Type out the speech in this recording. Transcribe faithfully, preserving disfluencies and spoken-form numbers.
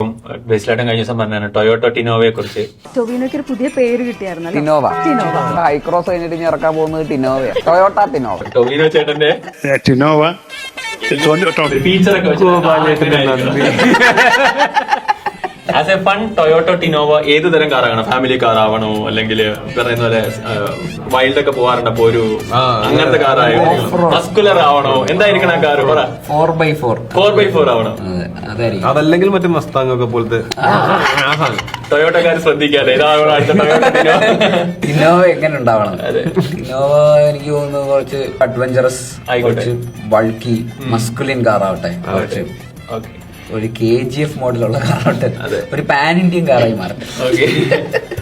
ബേസിലായിട്ടും കഴിഞ്ഞ ദിവസം പറഞ്ഞാണ് ടൊയോട്ടോ ടിനോവയെ കുറിച്ച്. ടൊവിനോയ്ക്ക് ഒരു പുതിയ പേര് കിട്ടിയായിരുന്നു. ടിനോവ. ഹൈക്രോസ് കഴിഞ്ഞിട്ട് ഇനി ഇറക്കാൻ പോകുന്നത് ടിനോവ, ടൊയോട്ട ടിനോവ. ടൊവിനോ ചേട്ടന്റെ ടിനോവ ഫീച്ചറൊക്കെ as a fun Toyota Innova ഏത് തരം കാറാകണം? ഫാമിലി കാർ ആവണോ, അല്ലെങ്കിൽ പറയുന്ന പോലെ വൈൽഡ് ഒക്കെ പോകാറുണ്ട്, അപ്പൊ ഒരു അങ്ങനത്തെ കാറായോ, മസ്കുലർ ആവണോ, എന്തായിരിക്കണം ആ car? Four by four four by four ആവണം. അതല്ലെങ്കിൽ മറ്റേ മസ്താങ് ഒക്കെ പോലത്തെ ടൊയോട്ടക്കാർ ശ്രദ്ധിക്കാതെ ഇതാവണം അടുത്ത ടൊയോട്ടോ ടിനോവ. ടിനോവ എങ്ങനെ ഉണ്ടാവണം? ടിനോവ എനിക്ക് തോന്നുന്നു കുറച്ച് അഡ്വഞ്ചറസ്, കുറച്ച് ബൾക്കി മസ്കുലിൻ കാർ ആവട്ടെ, കുറച്ച് ഒരു കെ ജി എഫ് മോഡലുള്ള കാറാവട്ടെ, ഒരു പാൻ ഇന്ത്യൻ കാറായി മാറട്ടെ.